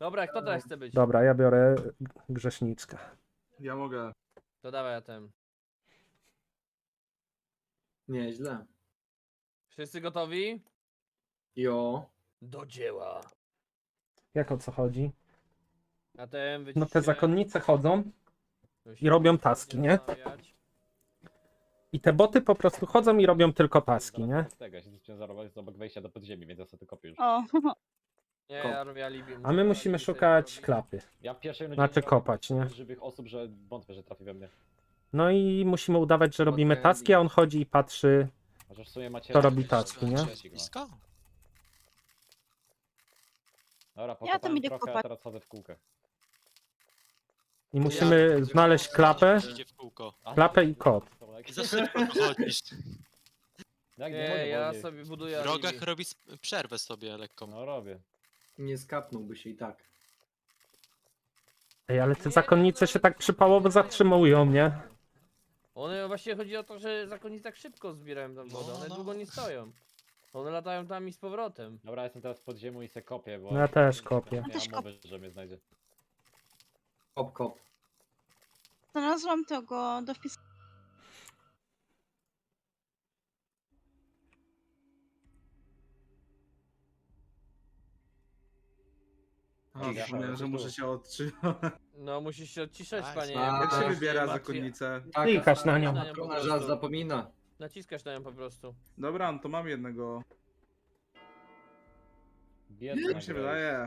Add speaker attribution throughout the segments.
Speaker 1: Dobra, kto teraz chce być?
Speaker 2: Dobra, ja biorę grzeszniczkę.
Speaker 3: Ja mogę.
Speaker 1: To dawaj ja ten.
Speaker 4: Nieźle.
Speaker 1: Wszyscy gotowi?
Speaker 4: Jo.
Speaker 1: Do dzieła.
Speaker 2: Jak o co chodzi?
Speaker 1: A ten
Speaker 2: No
Speaker 1: wyciście.
Speaker 2: te zakonnice chodzą i robią taski, nie?
Speaker 1: Zastanawiać.
Speaker 2: I te boty po prostu chodzą i robią tylko taski, nie?
Speaker 5: Tego, ja się zacząłem zarobić z obok wejścia do podziemi, więc ja sobie to kopię już.
Speaker 6: O,
Speaker 1: Nie, ja robię alibi.
Speaker 2: A my musimy szukać klapy.
Speaker 5: Ja w pierwszej rundzie
Speaker 2: Znaczy
Speaker 5: nie robię
Speaker 2: kopać, nie?
Speaker 5: żywych osób, że wątpię, że trafi we mnie.
Speaker 2: No i musimy udawać, że robimy taski, a on chodzi i patrzy.
Speaker 5: Chociaż w sumie macie...
Speaker 2: To robi taski, nie?
Speaker 7: Blisko?
Speaker 5: Dobra,
Speaker 6: Ja tam
Speaker 5: pokopałem
Speaker 6: idę
Speaker 5: trochę, a
Speaker 6: kopać.
Speaker 5: teraz chodzę w kółkę.
Speaker 2: I musimy znaleźć klapę,
Speaker 7: Idzie w kółko.
Speaker 2: klapę i kot.
Speaker 7: Za szybko chodzisz.
Speaker 5: Jak
Speaker 1: Nie,
Speaker 5: mogę
Speaker 1: ja
Speaker 5: wolniej?
Speaker 1: sobie buduję
Speaker 7: W rogach
Speaker 1: alibi.
Speaker 7: robi przerwę sobie lekką.
Speaker 5: No robię.
Speaker 4: Nie skapnąłby się i tak.
Speaker 2: Ej, ale te zakonnice się tak przypałowo zatrzymują, nie?
Speaker 1: One właśnie chodzi o to, że zakonnicy tak szybko zbierają tam wodę. One
Speaker 7: No.
Speaker 1: długo nie stoją. One latają tam i z powrotem.
Speaker 5: Dobra, jestem teraz pod ziemią i se kopię, bo...
Speaker 2: No ja też kopię.
Speaker 5: Nie
Speaker 6: Ja też
Speaker 5: mam mowy, że mnie znajdzie.
Speaker 4: Kop, kop.
Speaker 6: znalazłam tego do wpisu.
Speaker 3: A,
Speaker 5: Ja
Speaker 3: zapomniałem, że
Speaker 5: tu.
Speaker 3: muszę się odczytać.
Speaker 1: No musisz się odciszać,
Speaker 7: Tak,
Speaker 1: panie.
Speaker 4: tak.
Speaker 3: Jak się
Speaker 1: Masz
Speaker 3: wybiera
Speaker 1: łatwiej-
Speaker 3: zakonnicę?
Speaker 4: Tak,
Speaker 2: Klikasz na nią.
Speaker 1: Na nią po
Speaker 4: Ona żal
Speaker 1: prostu.
Speaker 4: zapomina.
Speaker 1: Naciskasz na nią po prostu.
Speaker 3: Dobra, no to mam jednego.
Speaker 5: Biedna
Speaker 3: Jak mi się
Speaker 5: Grace.
Speaker 3: wydaje.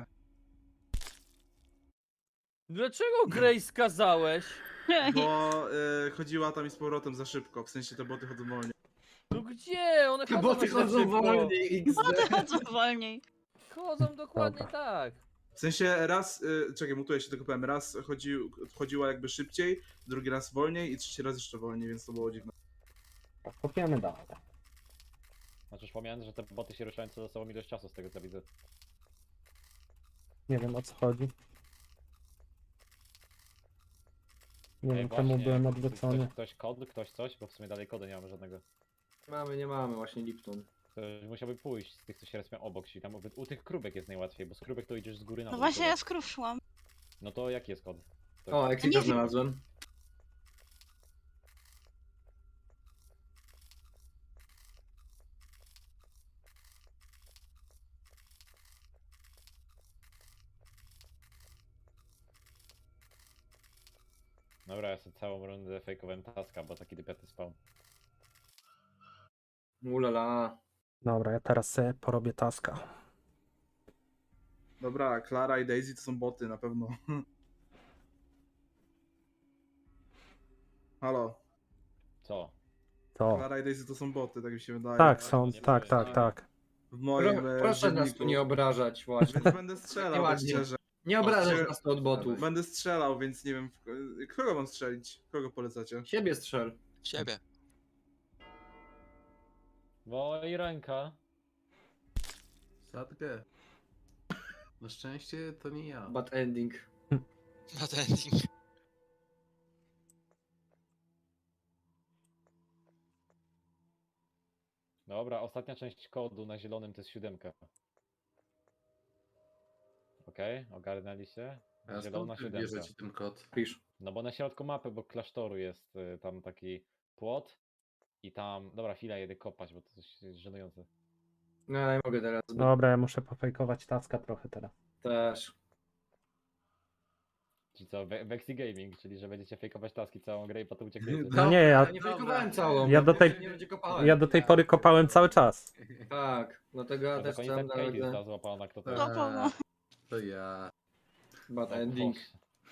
Speaker 1: Dlaczego Grace skazałeś?
Speaker 3: Bo chodziła tam i z powrotem za szybko. W sensie te boty chodzą wolniej.
Speaker 1: No gdzie? One chodzą
Speaker 4: Bo ty
Speaker 1: aż tak
Speaker 4: chodzą
Speaker 1: szybko.
Speaker 4: wolniej,
Speaker 6: One
Speaker 4: XD.
Speaker 6: chodzą wolniej.
Speaker 1: Chodzą dokładnie
Speaker 2: Dobra.
Speaker 1: tak.
Speaker 3: W sensie raz, czekaj, mutuję się tylko powiem, raz chodziła jakby szybciej, drugi raz wolniej i trzeci raz jeszcze wolniej, więc to było dziwne.
Speaker 2: Kopiemy dalej.
Speaker 5: Znaczy już pomijając, że te boty się ruszają co za sobą ilość czasu z tego co widzę.
Speaker 2: Nie wiem o co chodzi. Nie
Speaker 5: Ej,
Speaker 2: wiem,
Speaker 5: właśnie,
Speaker 2: czemu byłem odwrócony.
Speaker 5: Ktoś kod, ktoś coś, bo w sumie dalej kodu nie mamy żadnego.
Speaker 4: Nie mamy właśnie Lipton.
Speaker 5: Ktoś musiałby pójść z tych, co się respią obok, czyli tam u tych krówek jest najłatwiej, bo z krówek to idziesz z góry na
Speaker 6: No
Speaker 5: dół.
Speaker 6: właśnie
Speaker 5: tyle.
Speaker 6: ja skruszłam.
Speaker 5: No to jaki jest kod? To
Speaker 4: O,
Speaker 6: nie
Speaker 4: Exita
Speaker 6: wiem.
Speaker 4: znalazłem.
Speaker 5: Dobra, ja sobie całą rundę fejkowałem taska, bo taki dypiaty spał.
Speaker 4: Ulala.
Speaker 2: Dobra, ja teraz sobie porobię taska.
Speaker 3: Dobra, Clara i Daisy to są boty na pewno. Halo,
Speaker 5: Co?
Speaker 2: To.
Speaker 3: Clara i Daisy to są boty, tak mi się wydaje.
Speaker 2: Tak, są,
Speaker 5: nie
Speaker 2: tak,
Speaker 5: powiem,
Speaker 2: tak,
Speaker 5: nie.
Speaker 2: tak.
Speaker 3: W moim
Speaker 4: Proszę nas
Speaker 3: dzienniku.
Speaker 4: tu nie obrażać właśnie.
Speaker 3: Więc będę strzelał, tak
Speaker 4: Nieładnie.
Speaker 3: szczerze.
Speaker 4: Nie obrażać
Speaker 3: Czy-
Speaker 4: nas tu od botów.
Speaker 3: Będę strzelał, więc nie wiem, kogo mam strzelić? Kogo polecacie?
Speaker 4: Siebie strzel.
Speaker 7: Ciebie.
Speaker 5: Bo i ręka.
Speaker 8: Sadgę. Na szczęście to nie ja.
Speaker 4: Bad ending.
Speaker 7: Na ending.
Speaker 5: Dobra, ostatnia część kodu na zielonym to jest 7. Okej, ogarnęliście?
Speaker 8: A
Speaker 5: Zielona
Speaker 8: skąd wy
Speaker 5: 7.
Speaker 8: bierzecie ten kod?
Speaker 4: Pisz.
Speaker 5: No bo na środku mapy, bo klasztoru jest tam taki płot i tam... Dobra, chwilę jedę kopać, bo to coś jest żenujące.
Speaker 4: No ale nie mogę teraz.
Speaker 2: Dobra, ja muszę pofejkować taska trochę teraz.
Speaker 4: Też.
Speaker 5: Czyli co, Vexy Gaming, czyli że będziecie fejkować taski całą grę i potem uciekniecie.
Speaker 2: No nie, ja,
Speaker 4: Ja nie fejkowałem całą.
Speaker 2: Ja do
Speaker 4: bo
Speaker 2: tej-
Speaker 4: nie będzie kopałem.
Speaker 2: ja do tej pory kopałem cały czas.
Speaker 4: Tak, dlatego ja
Speaker 5: No
Speaker 4: też
Speaker 5: to
Speaker 4: chciałem
Speaker 5: końca Katie
Speaker 4: nawet
Speaker 5: została złapana, kto to
Speaker 6: No, no.
Speaker 8: To ja.
Speaker 4: bad
Speaker 5: No,
Speaker 4: ending.
Speaker 5: proszę.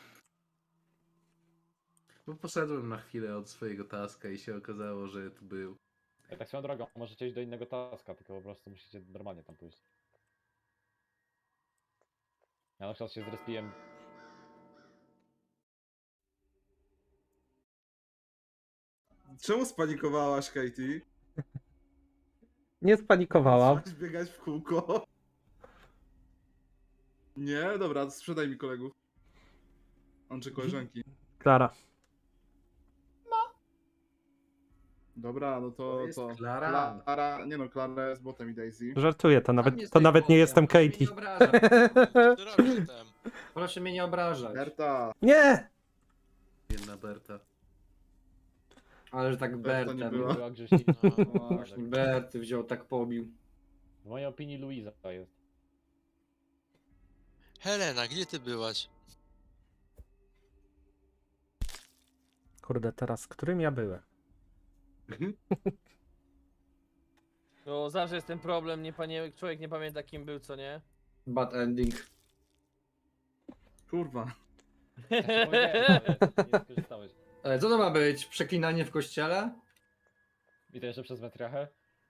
Speaker 8: Bo poszedłem na chwilę od swojego taska i się okazało, że tu był.
Speaker 5: Ja tak swoją drogą, możecie iść do innego taska, tylko po prostu musicie normalnie tam pójść. Ja na przykład się zrespiłem.
Speaker 3: Czemu spanikowałaś, Katie?
Speaker 2: Nie spanikowałam.
Speaker 3: Zaczęłaś biegać w kółko. Nie? Dobra, sprzedaj mi kolegów. On czy koleżanki.
Speaker 2: Klara.
Speaker 3: Dobra, no
Speaker 8: To
Speaker 3: to...
Speaker 8: jest
Speaker 3: to.
Speaker 8: Klara.
Speaker 3: Klara, nie no, Klara jest botem i Daisy.
Speaker 2: Żartuję, to
Speaker 4: Tam
Speaker 2: nawet,
Speaker 4: jest
Speaker 2: to
Speaker 4: tej
Speaker 2: nawet nie
Speaker 4: botem,
Speaker 2: jestem
Speaker 4: proszę mnie
Speaker 2: Katie.
Speaker 4: nie obrażać.
Speaker 7: Ty robisz tem.
Speaker 4: Proszę mnie nie obrażać.
Speaker 3: Berta,
Speaker 2: Nie!
Speaker 8: Jedna Berta.
Speaker 4: Ale że tak
Speaker 3: Berta nie
Speaker 4: Bertem.
Speaker 3: była.
Speaker 5: Była Grześnica.
Speaker 7: No.
Speaker 4: Właśnie, Berty wziął, tak pobił.
Speaker 5: W mojej opinii Luiza to jest.
Speaker 7: Helena, gdzie ty byłaś?
Speaker 2: Kurde, teraz którym ja byłem?
Speaker 1: No zawsze jest ten problem, człowiek nie pamięta kim był, co nie?
Speaker 4: Bad ending.
Speaker 3: kurwa.
Speaker 5: Ja ci powiedziałem, ale nie skorzystałeś.
Speaker 4: Co to ma być? Przeklinanie w kościele?
Speaker 5: I to jeszcze przez metriachę?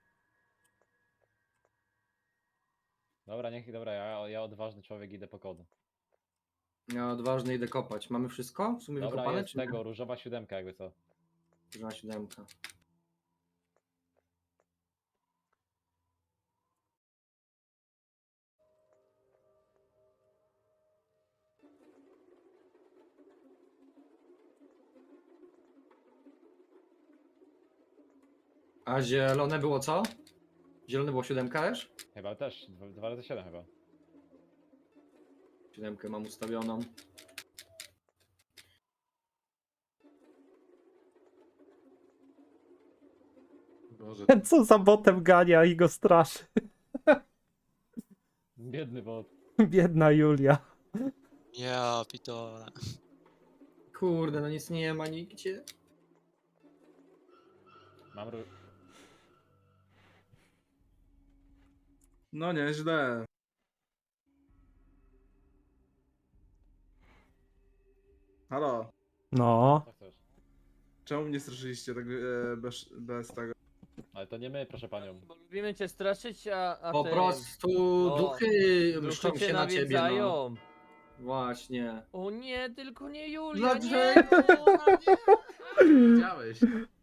Speaker 5: Dobra, dobra, ja odważny człowiek idę po kodu.
Speaker 4: Ja odważnie idę kopać. Mamy wszystko? W sumie
Speaker 5: Dobra,
Speaker 4: wykopane,
Speaker 5: jest
Speaker 4: czy nie?
Speaker 5: tego, różowa 7 jakby co.
Speaker 4: Na 7. A zielone było co? Zielone było 7 też?
Speaker 5: Chyba też, 2 razy 7 chyba.
Speaker 4: 7 mam ustawioną.
Speaker 8: Boże,
Speaker 2: Co za botem gania i go straszy.
Speaker 5: Biedny bot.
Speaker 2: Biedna Julia.
Speaker 7: Ja, pitole.
Speaker 4: Kurde, no nic nie ma nigdzie.
Speaker 5: Mam
Speaker 3: No nieźle. Halo,
Speaker 2: No.
Speaker 5: Co chcesz?
Speaker 3: czemu mnie straszyliście tak bez tego?
Speaker 5: Ale to nie my, proszę panią.
Speaker 1: Bo lubimy cię straszyć, a
Speaker 4: Po
Speaker 1: ty...
Speaker 4: prostu
Speaker 1: O,
Speaker 4: duchy mszczą
Speaker 1: Duchy cię
Speaker 4: się na ciebie, no.
Speaker 1: nawiedzają.
Speaker 4: Właśnie.
Speaker 1: O nie, tylko nie Julia, nie!
Speaker 4: Dlaczego?
Speaker 8: widziałeś.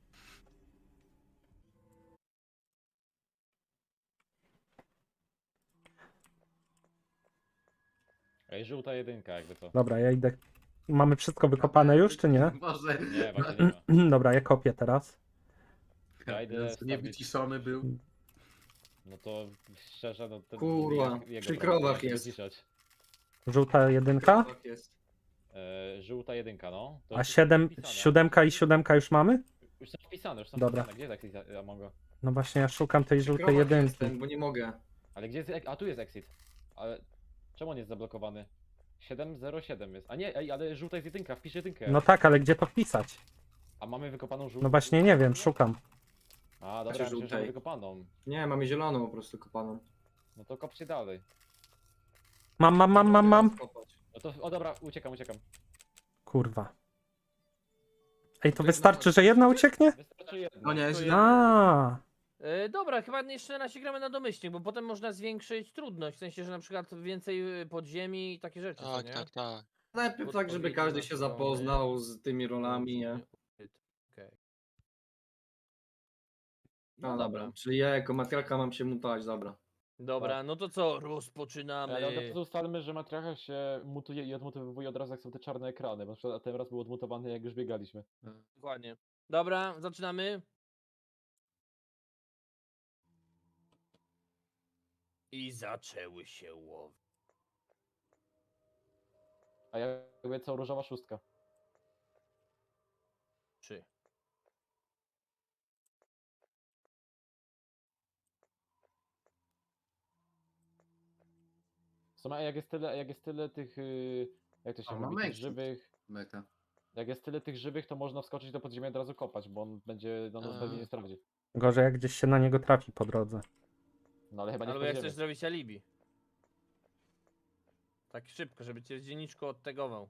Speaker 5: Ej, żółta 1 jakby co.
Speaker 2: Dobra, ja idę. Mamy wszystko wykopane już, czy nie?
Speaker 8: Boże.
Speaker 5: Nie, właśnie nie ma.
Speaker 2: Dobra, ja kopię teraz.
Speaker 5: Ja idę
Speaker 8: Nie
Speaker 5: wstawić-
Speaker 8: wyciszony był.
Speaker 5: No to szczerze, no to...
Speaker 4: Kurwa,
Speaker 5: jego
Speaker 4: przy
Speaker 5: prawo,
Speaker 4: krowach
Speaker 5: jak
Speaker 4: jest.
Speaker 5: wyciszać.
Speaker 2: Żółta 1,
Speaker 4: Tak jest.
Speaker 5: Żółta 1, no. To
Speaker 2: a
Speaker 5: już
Speaker 2: 7,
Speaker 5: wpisane.
Speaker 2: 7 i 7 już mamy?
Speaker 5: Już są wpisane, już są
Speaker 2: Dobra.
Speaker 5: wpisane. Gdzie jest exit Amongo?
Speaker 2: No właśnie, ja szukam tej
Speaker 4: Przy
Speaker 2: żółtej
Speaker 4: krowach
Speaker 2: 1.
Speaker 4: jestem, bo nie mogę.
Speaker 5: Ale gdzie jest... A tu jest exit. Ale czemu on jest zablokowany? 707 jest. A nie, ej, ale żółta jest 1, wpisz 1.
Speaker 2: No tak, ale gdzie to wpisać?
Speaker 5: A mamy wykopaną żółtą?
Speaker 2: No właśnie nie wiem, szukam.
Speaker 5: A, dobra,
Speaker 4: Znaczy
Speaker 5: myślę, że
Speaker 4: żółtej.
Speaker 5: wykopaną.
Speaker 4: Nie, mamy zieloną po prostu kopaną.
Speaker 5: No to kopcie dalej.
Speaker 2: Mam.
Speaker 4: Kopać.
Speaker 5: No to, o dobra, uciekam.
Speaker 2: Kurwa. Ej, to wystarczy, że jedna ucieknie?
Speaker 5: Wystarczy jedno.
Speaker 3: No nieźle.
Speaker 2: A,
Speaker 1: Dobra, chyba jeszcze na razie gramy na domyślnik, bo potem można zwiększyć trudność, w sensie, że na przykład więcej podziemi i takie rzeczy, co
Speaker 7: Tak,
Speaker 1: nie?
Speaker 7: tak, tak.
Speaker 4: Najpierw tak, żeby
Speaker 1: Odpowiedzi
Speaker 4: każdy
Speaker 1: na
Speaker 4: się
Speaker 1: strony.
Speaker 4: zapoznał z tymi rolami, nie?
Speaker 1: Okej.
Speaker 4: No dobra. Czyli ja jako matriarcha mam się mutować, dobra.
Speaker 1: Dobra, no to co, rozpoczynamy.
Speaker 5: Ale od razu ustalmy, że matriarcha się mutuje i odmutowuje od razu jak są te czarne ekrany, bo na przykład ten raz był odmutowany jak już biegaliśmy.
Speaker 1: Dokładnie. Dobra, zaczynamy. I zaczęły się łowy.
Speaker 5: A jakby co, różowa 6.
Speaker 1: 3.
Speaker 5: W sumie jak jest tyle tych, jak to się
Speaker 8: O,
Speaker 5: mówi,
Speaker 8: mamy
Speaker 5: tych
Speaker 8: exit.
Speaker 5: żywych,
Speaker 8: Meka.
Speaker 5: jak jest tyle tych żywych, to można wskoczyć do podziemia i od razu kopać, bo on będzie, no nas pewnie nie sprawdzi.
Speaker 2: gorzej jak gdzieś się na niego trafi po drodze.
Speaker 5: No ale chyba nie w
Speaker 1: Albo jak
Speaker 5: podziemiu.
Speaker 1: chcesz zrobić alibi. Tak szybko, żeby cię z dzienniczku odtegował.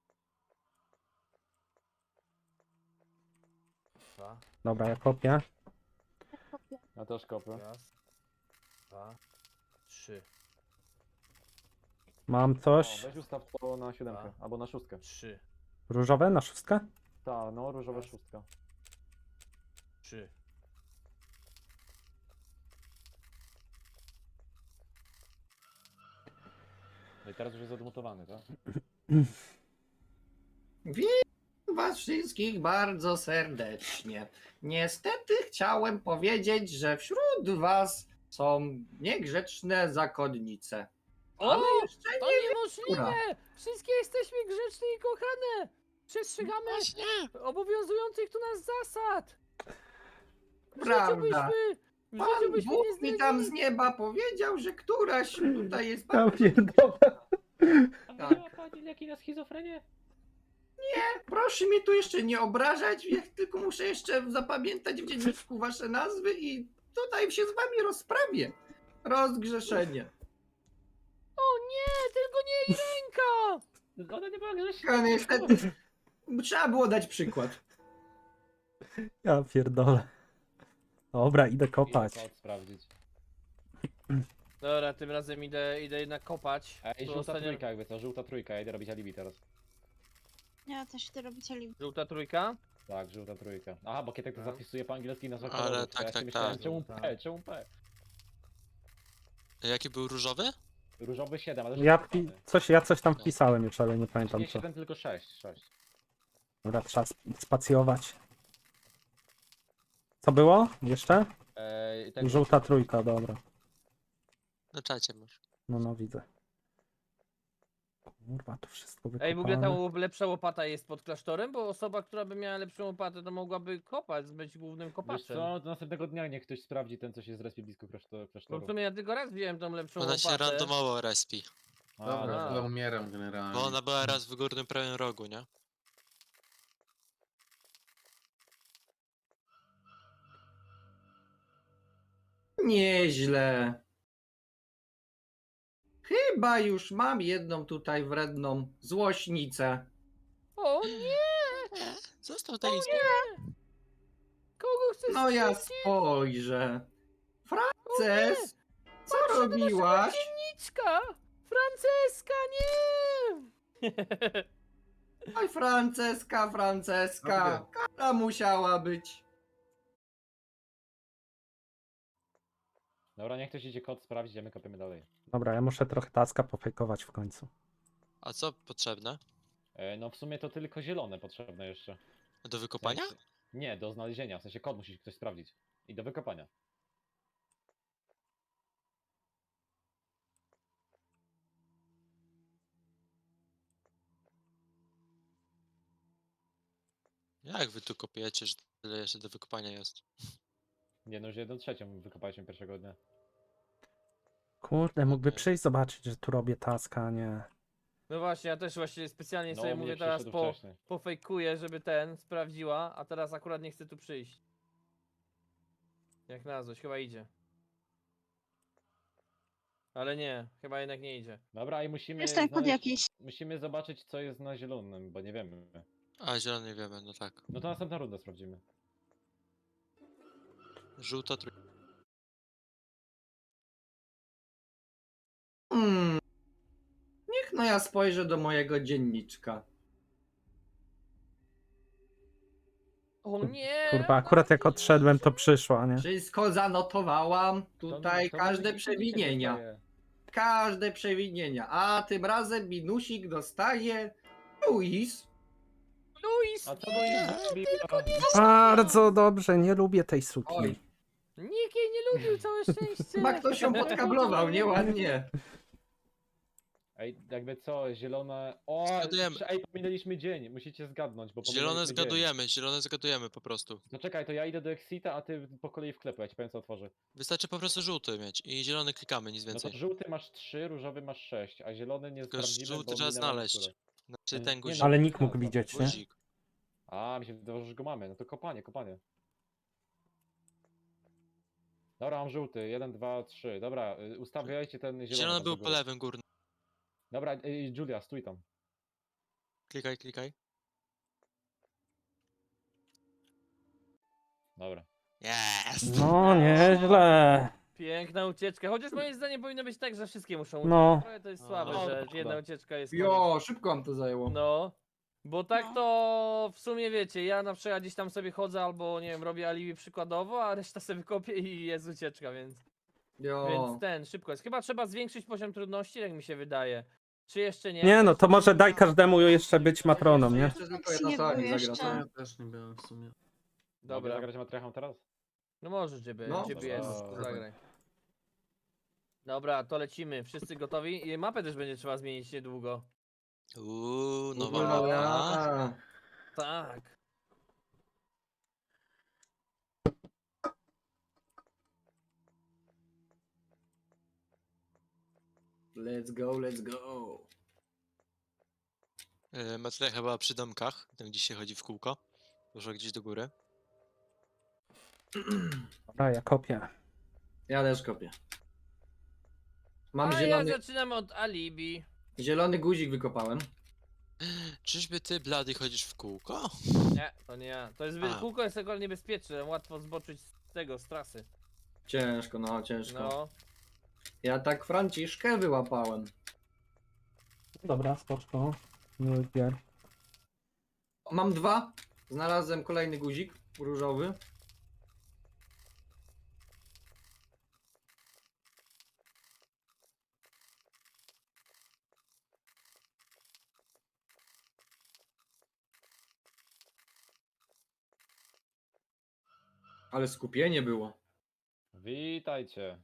Speaker 1: 2,
Speaker 2: Dobra, ja kopię.
Speaker 5: Ja też kopię.
Speaker 1: raz, 2, 3,
Speaker 2: Mam
Speaker 5: O,
Speaker 2: coś.
Speaker 5: weź ustaw to na 7
Speaker 1: Dwa.
Speaker 5: albo na 6.
Speaker 1: 3,
Speaker 2: Różowe na 6?
Speaker 5: Tak, no różowa
Speaker 1: Raz.
Speaker 5: 6.
Speaker 1: 3.
Speaker 5: No i teraz już jest odmutowany, tak?
Speaker 4: was wszystkich bardzo serdecznie. Niestety chciałem powiedzieć, że wśród was są niegrzeczne zakonnice.
Speaker 1: O,
Speaker 4: Ale jeszcze
Speaker 1: to
Speaker 4: nie
Speaker 1: niemożliwe! Wszystkie jesteśmy grzeczne i kochane! Przestrzegamy
Speaker 7: Właśnie!
Speaker 1: obowiązujących tu nas zasad! W życiu
Speaker 4: Prawda.
Speaker 1: byśmy... W
Speaker 4: Pan
Speaker 1: życiu byśmy
Speaker 4: Bóg
Speaker 1: nie
Speaker 4: mi tam z
Speaker 1: zdradzili.
Speaker 4: nieba powiedział, że któraś tutaj jest
Speaker 2: Ja
Speaker 4: bardzo...
Speaker 2: pierdolę.
Speaker 5: A
Speaker 4: Tak.
Speaker 5: miała pani leki na schizofrenię?
Speaker 4: Proszę mnie tu jeszcze nie obrażać, ja tylko muszę jeszcze zapamiętać w dzienniczku wasze nazwy i tutaj się z wami rozprawię. Rozgrzeszenie.
Speaker 1: O nie, tylko nie jej ręka!
Speaker 5: Ona nie była grzeczna.
Speaker 4: A niestety trzeba było dać przykład.
Speaker 2: Ja pierdolę. Dobra, idę
Speaker 5: Idę
Speaker 2: kopać.
Speaker 5: kod sprawdzić.
Speaker 1: Dobra, tym razem idę jednak kopać.
Speaker 5: Ej,
Speaker 1: Tu
Speaker 5: żółta
Speaker 1: ostatnio-
Speaker 5: trójka jakby to, żółta trójka, ja idę robić alibi teraz.
Speaker 6: Ja też idę robić alibi.
Speaker 1: Żółta trójka?
Speaker 5: Tak, żółta trójka. Aha, bo Kietek to
Speaker 1: No.
Speaker 5: zapisuje po angielsku i nazwa
Speaker 7: Ale
Speaker 5: kolorów, to
Speaker 7: tak,
Speaker 5: ja
Speaker 7: tak,
Speaker 5: się myślałem,
Speaker 7: tak.
Speaker 5: czemu
Speaker 1: Tak.
Speaker 5: P, czemu P?
Speaker 7: Jaki był różowy?
Speaker 5: Różowy 7, ale
Speaker 2: Ja coś tam wpisałem już, ale nie pamiętam
Speaker 5: Nie
Speaker 2: co.
Speaker 5: 7, tylko 6.
Speaker 2: Dobra, trzeba spacjować. Co było? Jeszcze?
Speaker 5: Tak,
Speaker 2: Żółta trójka, dobra.
Speaker 7: Na czacie masz.
Speaker 2: No widzę. Kurwa, to wszystko
Speaker 1: Ej, w ogóle ta
Speaker 2: wykopane.
Speaker 1: lepsza łopata jest pod klasztorem, bo osoba, która by miała lepszą łopatę, to mogłaby kopać, być głównym
Speaker 5: Wiesz
Speaker 1: kopaczem.
Speaker 5: co, do następnego dnia niech ktoś sprawdzi ten, co się zrespił blisko
Speaker 1: Bo
Speaker 5: klasztoru.
Speaker 1: w sumie ja tylko raz wziąłem tą lepszą
Speaker 7: Ona się
Speaker 1: łopatę.
Speaker 7: randomowo respi.
Speaker 5: A,
Speaker 8: Dobra,
Speaker 1: dobra.
Speaker 8: chyba umieram generalnie.
Speaker 7: Bo ona była raz w górnym prawym rogu, nie?
Speaker 4: Nieźle. Chyba już mam jedną tutaj wredną złośnicę.
Speaker 1: O nie!
Speaker 7: Nie, został tej
Speaker 1: Kogo chcesz
Speaker 4: No ja
Speaker 1: strzelić?
Speaker 4: spojrzę. Frances, co robiłaś?
Speaker 1: Dzienniczka! Franceska, nie!
Speaker 4: Oj, Franceska, kara musiała być.
Speaker 5: Dobra, niech ktoś idzie kod sprawdzić, a my kopiemy dalej.
Speaker 2: Dobra, ja muszę trochę taska pofejkować w końcu.
Speaker 7: A co potrzebne?
Speaker 5: No w sumie to tylko zielone potrzebne jeszcze.
Speaker 7: Do
Speaker 5: W
Speaker 7: wykopania?
Speaker 5: sensie- Nie, do znalezienia, w sensie kod musi ktoś sprawdzić. I do wykopania.
Speaker 7: Jak wy tu kopiecie, że tyle jeszcze do wykopania jest?
Speaker 5: Nie no, już 1/3 wykopaliśmy pierwszego dnia.
Speaker 2: Kurde, mógłby
Speaker 7: Okej.
Speaker 2: przyjść zobaczyć, że tu robię taska, a nie.
Speaker 1: No właśnie, ja też właśnie specjalnie
Speaker 5: No,
Speaker 1: sobie
Speaker 5: u mnie
Speaker 1: mówię teraz
Speaker 5: przyszedł wcześniej.
Speaker 1: pofejkuję, żeby sprawdziła, a teraz akurat nie chcę tu przyjść. Jak na złość, chyba idzie. Ale nie, chyba jednak nie idzie.
Speaker 5: Dobra, i musimy
Speaker 6: Jest ten kod
Speaker 5: znaleźć-
Speaker 6: jakiś.
Speaker 5: Musimy zobaczyć, co jest na zielonym, bo nie wiemy.
Speaker 7: A, zielony nie wiemy, no tak.
Speaker 5: No to następna runda sprawdzimy.
Speaker 7: Żółta trójka.
Speaker 4: Niech no ja spojrzę do mojego dzienniczka.
Speaker 1: O nie!
Speaker 2: Kurwa, akurat jak odszedłem, to przyszła, nie?
Speaker 4: Wszystko zanotowałam. Tutaj
Speaker 5: To
Speaker 4: każde
Speaker 5: może
Speaker 4: przewinienia.
Speaker 5: dostaje.
Speaker 4: Każde przewinienia. A tym razem minusik dostaje Luis.
Speaker 1: Luis!
Speaker 5: A co to jest?
Speaker 2: Bardzo dobrze, nie lubię tej suki.
Speaker 4: Oj,
Speaker 1: Nikt jej nie lubił, całe szczęście!
Speaker 4: chyba ktoś ją podkablował, nieładnie.
Speaker 5: Ej, jakby co, zielone... O,
Speaker 7: Zgadujemy.
Speaker 5: ej, pominęliśmy dzień, musicie zgadnąć, bo
Speaker 7: Zielone
Speaker 5: pominęliśmy dzień.
Speaker 7: zielone zgadujemy po prostu.
Speaker 5: No czekaj, to ja idę do Exita, a ty po kolei wklepu, ja ci powiem co otworzy.
Speaker 7: Wystarczy po prostu żółty mieć i zielony klikamy, nic
Speaker 5: No to
Speaker 7: więcej.
Speaker 5: żółty masz 3, różowy masz 6, a zielony nie
Speaker 7: Tylko
Speaker 5: sprawdzimy,
Speaker 7: żółty
Speaker 5: bo
Speaker 7: trzeba
Speaker 5: minęła
Speaker 7: znaleźć.
Speaker 5: niektóre.
Speaker 7: Znaczy
Speaker 5: Nie,
Speaker 7: ten
Speaker 5: nie,
Speaker 7: guzik.
Speaker 5: no.
Speaker 2: Ale nikt mógł widzieć, nie?
Speaker 7: Guzik.
Speaker 5: A, mi się wydawało, że go mamy, no to kopanie. Dobra, mam żółty, 1, 2, 3, dobra, ustawiajcie ten zielony.
Speaker 7: Zielony
Speaker 5: tam
Speaker 7: był
Speaker 5: do
Speaker 7: po
Speaker 5: góry.
Speaker 7: lewym górnym.
Speaker 5: Dobra, Julia, stój tam.
Speaker 7: Klikaj, klikaj.
Speaker 5: Dobra.
Speaker 7: Jest!
Speaker 2: No, nieźle.
Speaker 1: Piękna ucieczka, chociaż moim zdaniem powinno być tak, że wszystkie muszą uciec.
Speaker 2: No.
Speaker 1: Trochę to jest
Speaker 7: No,
Speaker 1: słabe,
Speaker 5: no,
Speaker 1: że
Speaker 5: szkoda.
Speaker 1: jedna ucieczka jest
Speaker 4: Jo, szybko wam to zajęło.
Speaker 1: No, bo tak
Speaker 6: No.
Speaker 1: to w sumie wiecie, ja na przykład gdzieś tam sobie chodzę albo nie wiem, robię alibi przykładowo, a reszta sobie kopię i jest ucieczka, więc
Speaker 4: Jo.
Speaker 1: szybko jest. Chyba trzeba zwiększyć poziom trudności, jak mi się wydaje. Czy jeszcze nie?
Speaker 2: Nie no, to może daj każdemu jeszcze być matroną, nie?
Speaker 4: Jeszcze tylko jedna
Speaker 6: Nie
Speaker 4: osoba
Speaker 6: było
Speaker 4: mi zagra,
Speaker 6: jeszcze.
Speaker 4: co?
Speaker 8: Ja też nie byłem w sumie.
Speaker 5: Mogę
Speaker 1: Dobra.
Speaker 5: zagrać matriarchą teraz?
Speaker 1: No możesz, żeby,
Speaker 4: No,
Speaker 1: żeby
Speaker 5: dobra.
Speaker 1: jest, to zagraj. Dobra, to lecimy. Wszyscy gotowi? I mapę też będzie trzeba zmienić niedługo.
Speaker 7: Nowa
Speaker 4: Kurwa,
Speaker 7: mapa.
Speaker 4: ja.
Speaker 1: Tak.
Speaker 4: Let's go, let's go.
Speaker 7: Matria chyba przy domkach, tam gdzie się chodzi w kółko. Może gdzieś do góry.
Speaker 2: Dobra, ja kopię.
Speaker 4: Ja też kopię. Mam
Speaker 1: A ja
Speaker 4: zielony,
Speaker 1: zaczynam od alibi.
Speaker 4: zielony guzik wykopałem.
Speaker 7: Czyżby ty, Blady, chodzisz w kółko?
Speaker 1: Nie, to nie ja. To jest
Speaker 7: A.
Speaker 1: kółko jest akurat niebezpieczne, łatwo zboczyć z tego, z trasy.
Speaker 4: Ciężko, no ciężko.
Speaker 1: No.
Speaker 4: Ja tak Franciszkę wyłapałem.
Speaker 2: Dobra, spoczko. Miły gier.
Speaker 4: Mam 2. Znalazłem kolejny guzik różowy. Ale skupienie było.
Speaker 5: Witajcie.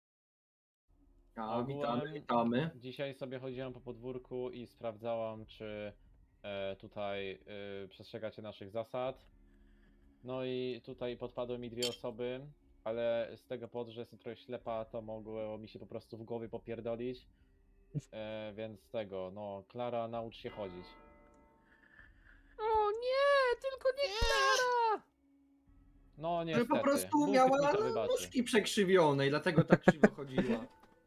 Speaker 4: A, witamy,
Speaker 5: Ogółem
Speaker 4: witamy.
Speaker 5: Dzisiaj sobie chodziłem po podwórku i sprawdzałam, czy tutaj przestrzegacie naszych zasad. No i tutaj podpadły mi 2 osoby, ale z tego powodu, że jestem trochę ślepa, to mogło mi się po prostu w głowie popierdolić. Więc tego, no, Klara, naucz się chodzić.
Speaker 1: O nie, tylko nie Klara!
Speaker 5: No
Speaker 4: Że
Speaker 5: niestety.
Speaker 4: po prostu
Speaker 5: Bóg mi
Speaker 4: miała
Speaker 5: to wybaczy.
Speaker 4: nóżki przekrzywione i dlatego tak krzywo chodziła.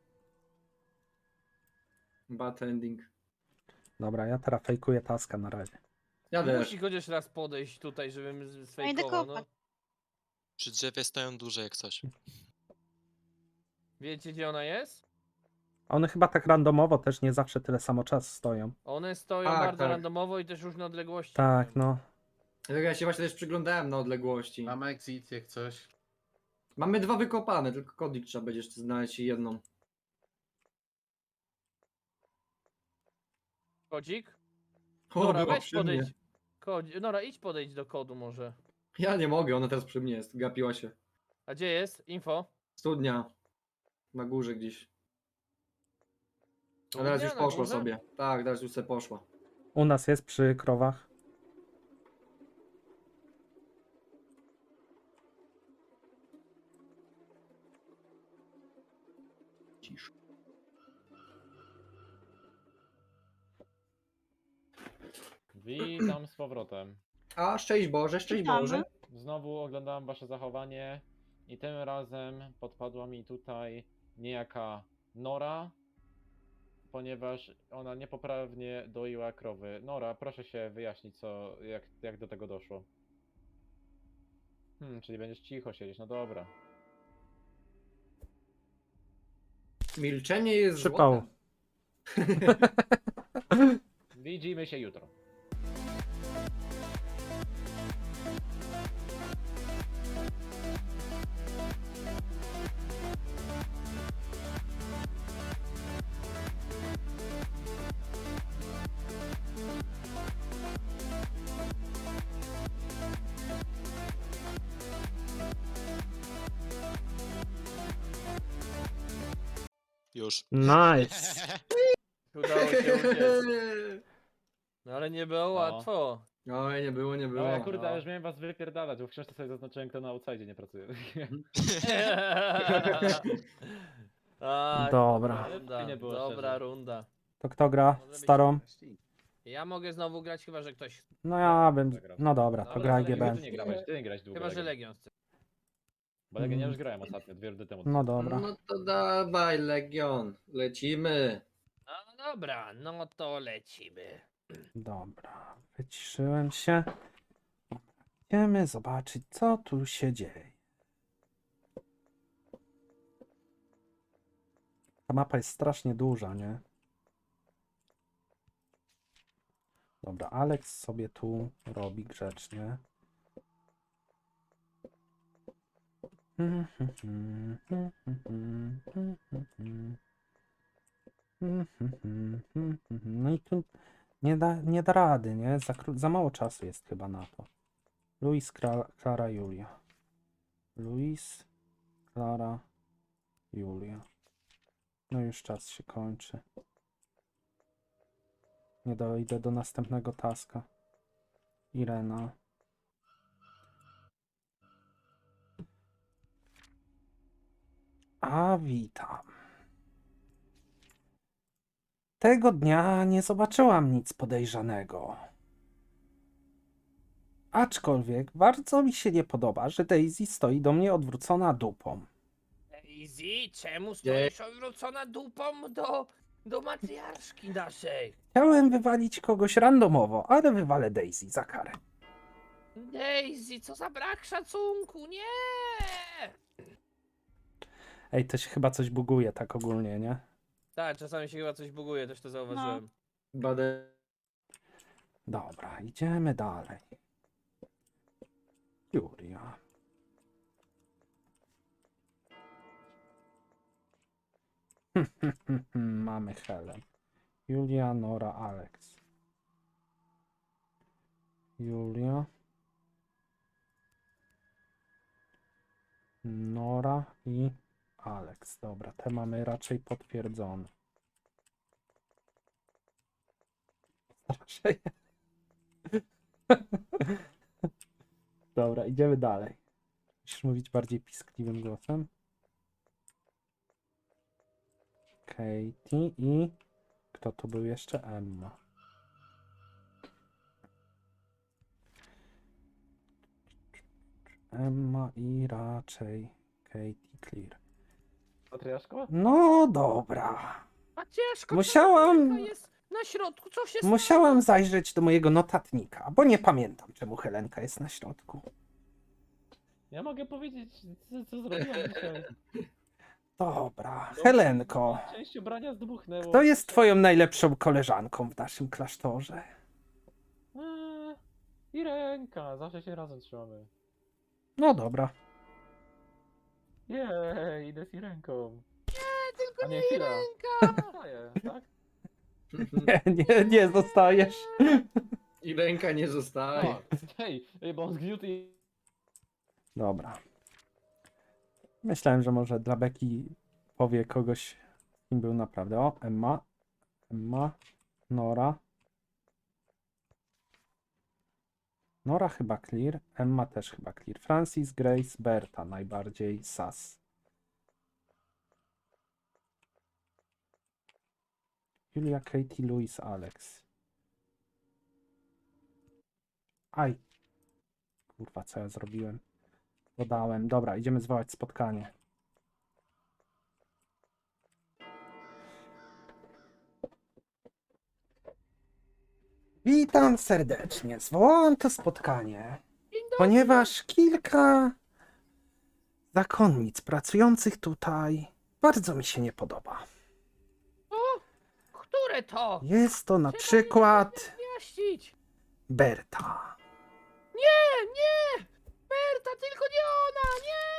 Speaker 4: Bad ending.
Speaker 2: Dobra, ja teraz fejkuję taska na razie.
Speaker 4: Ja też.
Speaker 1: Musi chociaż raz podejść tutaj, żebym
Speaker 6: No idę
Speaker 1: sfejkował, no.
Speaker 6: kopać.
Speaker 7: Przy drzewie stoją duże jak coś.
Speaker 1: Wiecie gdzie ona jest?
Speaker 2: One chyba tak randomowo też nie zawsze tyle samo czas stoją.
Speaker 1: One stoją
Speaker 4: Tak,
Speaker 1: bardzo
Speaker 4: tak.
Speaker 1: randomowo i też różne odległości.
Speaker 2: Tak, no.
Speaker 4: Ja się właśnie też przyglądałem na odległości.
Speaker 8: Mam exit jak coś.
Speaker 4: Mamy 2 wykopane, tylko kodik trzeba będzie jeszcze znaleźć i jedną.
Speaker 1: Kodzik?
Speaker 4: O,
Speaker 1: Nora,
Speaker 4: była
Speaker 1: weź
Speaker 4: przy
Speaker 1: podejdź.
Speaker 4: mnie.
Speaker 1: Nora, idź podejdź do kodu może.
Speaker 4: Ja nie mogę, ona teraz przy mnie jest. Gapiła się.
Speaker 1: A gdzie jest? Info?
Speaker 4: Studnia. Na górze gdzieś. A teraz
Speaker 1: Studnia
Speaker 4: już
Speaker 1: na
Speaker 4: poszła
Speaker 1: górze?
Speaker 4: sobie. Tak, teraz już sobie poszła.
Speaker 2: U nas jest przy krowach.
Speaker 5: Witam z powrotem.
Speaker 4: A, szczęść Boże, szczęść
Speaker 6: Witamy.
Speaker 4: Boże.
Speaker 5: Znowu oglądałem wasze zachowanie i tym razem podpadła mi tutaj niejaka Nora, ponieważ ona niepoprawnie doiła krowy. Nora, proszę się wyjaśnić, jak do tego doszło. Czyli będziesz cicho siedzieć, no dobra.
Speaker 4: Milczenie jest
Speaker 2: Przypał.
Speaker 4: złotem.
Speaker 5: Widzimy się jutro.
Speaker 7: Już.
Speaker 2: Nice.
Speaker 1: Udało się uciec. No ale nie było łatwo.
Speaker 4: Oj, nie było, nie było.
Speaker 5: No ja kurde,
Speaker 1: no.
Speaker 5: już miałem was wypierdalać, bo w książce sobie zaznaczyłem, kto na outside nie pracuje.
Speaker 1: A,
Speaker 2: Dobra.
Speaker 1: Runda,
Speaker 5: Nie było
Speaker 1: dobra
Speaker 5: szczerze.
Speaker 1: runda.
Speaker 2: To kto gra?
Speaker 1: Może być-
Speaker 2: Starą?
Speaker 1: Ja mogę znowu grać, chyba że ktoś.
Speaker 2: No ja bym... No dobra, to
Speaker 1: Dobra,
Speaker 2: graj
Speaker 1: ale
Speaker 2: GB.
Speaker 5: Ty nie grałeś, ty nie grałeś długo.
Speaker 1: Chyba że
Speaker 5: Legion.
Speaker 1: Legion chce.
Speaker 5: Bo Legion ja już grałem ostatnio, 2 rundy temu.
Speaker 2: No dobra.
Speaker 4: No to dawaj, Legion. Lecimy.
Speaker 1: No dobra, no to lecimy.
Speaker 2: Dobra, wyciszyłem się. Idziemy zobaczyć, co tu się dzieje. Ta mapa jest strasznie duża, nie? Dobra, Alex sobie tu robi grzecznie. No i tu nie da rady, nie? Za mało czasu jest chyba na to. Luis, Klara, Julia. Luis, Klara, Julia. No już czas się kończy. Nie dojdę do następnego taska. Irena. A witam. Tego dnia nie zobaczyłam nic podejrzanego. Aczkolwiek bardzo mi się nie podoba, że Daisy stoi do mnie odwrócona dupą.
Speaker 1: Daisy, czemu stoisz odwrócona dupą do matriarszki naszej?
Speaker 2: Chciałem wywalić kogoś randomowo, ale wywalę Daisy za karę.
Speaker 1: Daisy, co za brak szacunku, nie!
Speaker 2: Ej, to się chyba coś buguje tak ogólnie, nie?
Speaker 1: Tak, czasami się chyba coś buguje, też to zauważyłem.
Speaker 4: Badę.
Speaker 2: Dobra, idziemy dalej. Julia. Mamy Helen. Julia, Nora, Alex. Julia. Nora i Alex. Dobra, te mamy raczej potwierdzone. Raczej. Dobra, idziemy dalej. Musisz mówić bardziej piskliwym głosem. Katie i... Kto to był jeszcze? Emma. Emma i raczej Katie Clear.
Speaker 5: Matriarszko?
Speaker 2: No dobra.
Speaker 1: A ciężko,
Speaker 2: Musiałam-
Speaker 1: jest na środku, co się stało?
Speaker 2: Musiałam zajrzeć do mojego notatnika, bo nie pamiętam, czemu Helenka jest na środku.
Speaker 5: Ja mogę powiedzieć, co zrobiłam dzisiaj.
Speaker 2: Dobra, Helenko.
Speaker 5: Część ubrania zdmuchnęło.
Speaker 2: Kto jest twoją najlepszą koleżanką w naszym klasztorze?
Speaker 5: I ręka, zawsze się razem trzymamy.
Speaker 2: No dobra.
Speaker 5: Jej, idę z ręką.
Speaker 1: Tylko
Speaker 5: A nie,
Speaker 1: nie
Speaker 5: chwila.
Speaker 1: ręka!
Speaker 5: Zostaję, tak?
Speaker 2: Nie zostajesz.
Speaker 4: I ręka nie zostaje.
Speaker 5: O, hej, bo on zgniótł i...
Speaker 2: Dobra. Myślałem, że może dla Beki powie kogoś, kim był naprawdę. O, Emma. Emma. Nora. Nora chyba clear. Emma też chyba clear. Francis, Grace, Berta najbardziej sas. Julia, Katie, Louis, Alex. Aj. Kurwa, co ja zrobiłem? Dodałem. Dobra, idziemy zwołać spotkanie. Witam serdecznie. Zwołałam to spotkanie, ponieważ kilka zakonnic pracujących tutaj bardzo mi się nie podoba.
Speaker 1: Które to?
Speaker 2: Jest to na
Speaker 1: Trzeba mi
Speaker 2: przykład
Speaker 1: wyjaśnić.
Speaker 2: Berta.
Speaker 1: Nie, nie! Berta, tylko nie ona, nie!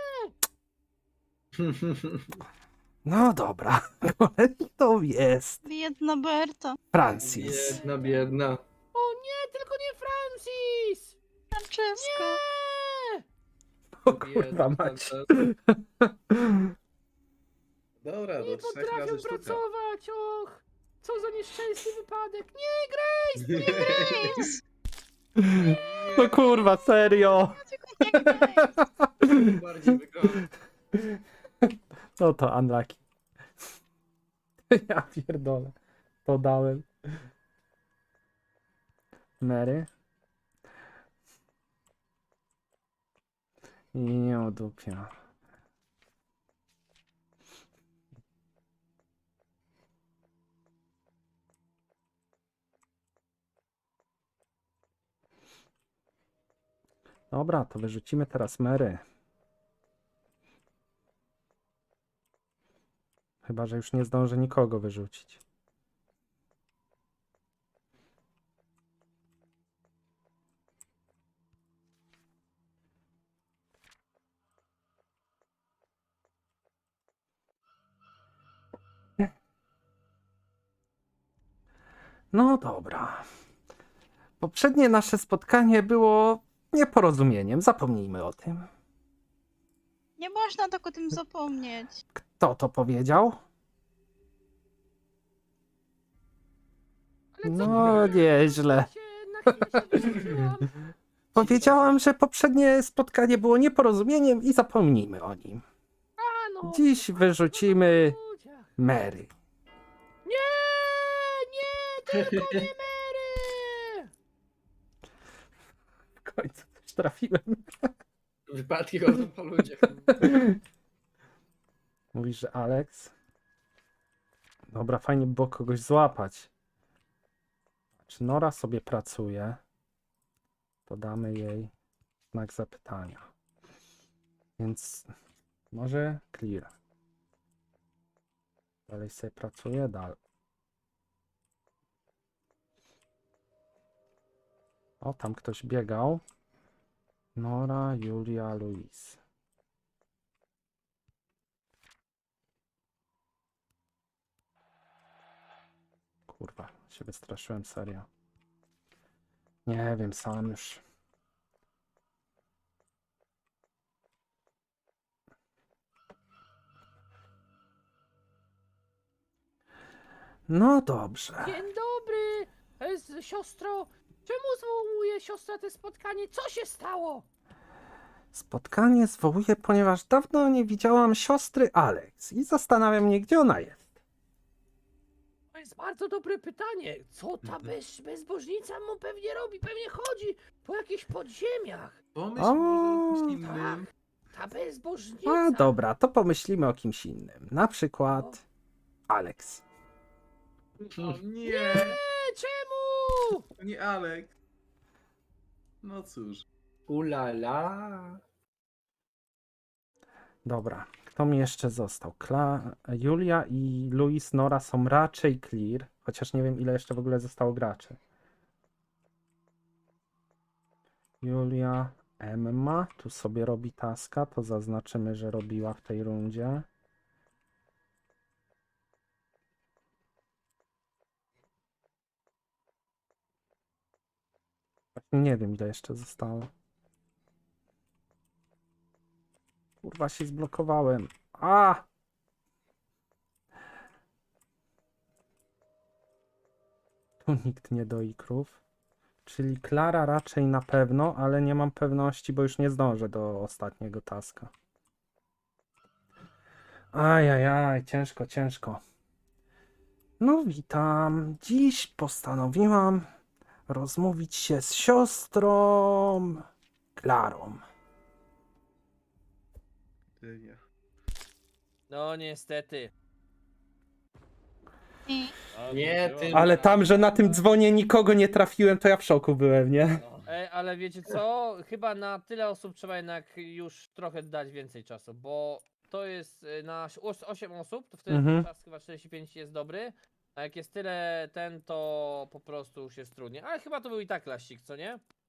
Speaker 2: No dobra, kolejną jest
Speaker 6: Biedna Berta.
Speaker 2: Francis.
Speaker 4: Biedna, biedna.
Speaker 1: O nie, tylko nie Francis!
Speaker 6: Francesco.
Speaker 1: Nie!
Speaker 2: O kurwa mać.
Speaker 8: Dobra,
Speaker 1: Nie
Speaker 8: do 3
Speaker 1: potrafią
Speaker 8: razy sztuka.
Speaker 1: pracować, och! Co za nieszczęsny wypadek! Nie, Grace!
Speaker 6: Grace.
Speaker 2: No kurwa, serio.
Speaker 6: Nie Grace.
Speaker 4: Bardziej wygląda.
Speaker 2: No to unlucky. Ja pierdolę. To dałem. Mary. I nie odupia. Dobra, to wyrzucimy teraz Mary. Chyba, że już nie zdążę nikogo wyrzucić. No dobra. Poprzednie nasze spotkanie było nieporozumieniem. Zapomnijmy o tym.
Speaker 6: Nie można tak o tym zapomnieć.
Speaker 2: Kto to powiedział?
Speaker 1: Ale co
Speaker 2: No,
Speaker 1: ty?
Speaker 2: nieźle.
Speaker 1: Na chwilę się wyrzuciłam.
Speaker 2: Powiedziałam, że poprzednie spotkanie było nieporozumieniem i zapomnijmy o nim.
Speaker 1: A no,
Speaker 2: Dziś wyrzucimy
Speaker 1: ludziach.
Speaker 2: Mary.
Speaker 1: Nie, nie, tylko nie Mary!
Speaker 2: W końcu coś trafiłem.
Speaker 4: Wypadki chodzą po ludziach.
Speaker 2: Mówisz, że Alex? Dobra, fajnie by było kogoś złapać. Czy Nora sobie pracuje? To damy jej znak zapytania. Więc może clear. Dalej sobie pracuje, dalej. O, tam ktoś biegał. Nora, Julia, Luis. Kurwa, się wystraszyłem, serio. Nie wiem, sam już. No dobrze.
Speaker 1: Dzień dobry, siostro. Czemu zwołuje siostra te spotkanie? Co się stało?
Speaker 2: Spotkanie zwołuję, ponieważ dawno nie widziałam siostry Alex i zastanawiam mnie, gdzie ona jest.
Speaker 1: To jest bardzo dobre pytanie. Co ta bezbożnica mu pewnie robi? Pewnie chodzi po jakichś podziemiach.
Speaker 8: Pomyśl
Speaker 2: O,
Speaker 8: może o kimś
Speaker 1: Tak,
Speaker 8: innym.
Speaker 1: ta bezbożnica.
Speaker 2: A dobra, to pomyślimy o kimś innym. Na przykład Alex.
Speaker 8: O nie,
Speaker 1: Nie, czemu?
Speaker 8: to nie Alex. No cóż.
Speaker 4: Ulala.
Speaker 2: Dobra, kto mi jeszcze został? Julia i Luis Nora są raczej clear, chociaż nie wiem, ile jeszcze w ogóle zostało graczy. Julia, Emma, tu sobie robi taska, to zaznaczymy, że robiła w tej rundzie. Właśnie nie wiem, ile jeszcze zostało. Kurwa, się zblokowałem. A! Tu nikt nie doi krów. Czyli Klara raczej na pewno, ale nie mam pewności, bo już nie zdążę do ostatniego taska. Ajajaj, ciężko, ciężko. No witam. Dziś postanowiłam rozmówić się z siostrą Klarą.
Speaker 8: Ty nie.
Speaker 1: No niestety.
Speaker 6: I
Speaker 5: A,
Speaker 4: Nie,
Speaker 5: było.
Speaker 4: ty-
Speaker 2: Ale tam, że na tym dzwonie nikogo nie trafiłem, to ja w szoku byłem, nie?
Speaker 5: No.
Speaker 1: Ale wiecie co? Chyba na tyle osób trzeba jednak już trochę dać więcej czasu, bo to jest na 8 osób, to wtedy
Speaker 2: Mhm.
Speaker 1: czas chyba 45 jest dobry, a jak jest tyle to po prostu już jest trudniej. Ale chyba to był i tak laścik, co nie?